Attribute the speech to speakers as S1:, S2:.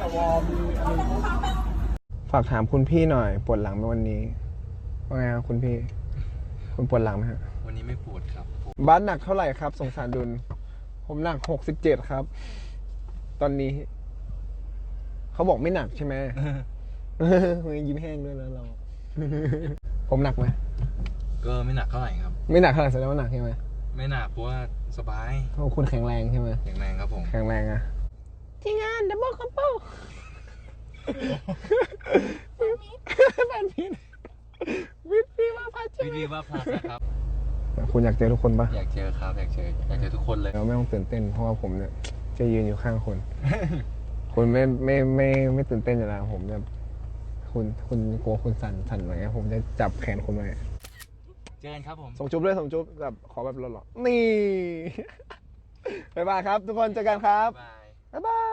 S1: วอร์มฝากถามคุณพี่หน่อยปวดหลังไหมวันนี้ว่าไงครับคุณพี่คุณปวดหลังไหมฮะ
S2: วันนี้ไม่ปวดครับ
S1: บ้านหนักเท่าไหร่ครับสงสารดุลผมหนัก67ครับตอนนี้เขาบอกไม่หนักใช่ไหม ยิ้มแห้งด้วยนะเรา ผมหนักไหม
S2: ก็ไม่หนักเท่าไหร่ครับ
S1: ไม่หนักเท่าไหร่แสดงว่าหนักใช่ไหม
S2: ไม่หนักเพราะว่าสบาย
S1: เพราะคุณแข็งแรงใช่ไหม
S2: แข็งแรงครับผม
S1: แข็งแรงอะทีมงานดับเบิลคัพเปิลแบบนี้วิทย์ว่าพัด
S2: วิธีว่าพลัสนะครับ
S1: คุณอยากเจอทุกคนปะ
S2: อยากเจอครับอยากเจอทุกคนเลย
S1: เราไม่ต้องตื่นเต้นเพราะว่าผมเนี่ยจะยืนอยู่ข้างคุณ คุณไม่ตื่นเต้นอยู่แล้วผมจะคุณกลัวคุณสั่นอะไรเงี้ยผมจะจับแขนคุณไว้
S2: เจอกันครับผม
S1: ส่งจุ๊บด้วยส่งจุ๊บแบบขอแบบหล่อๆนี่ บ๊ายบายครับทุกคนเจอกันครับบ๊ายบาย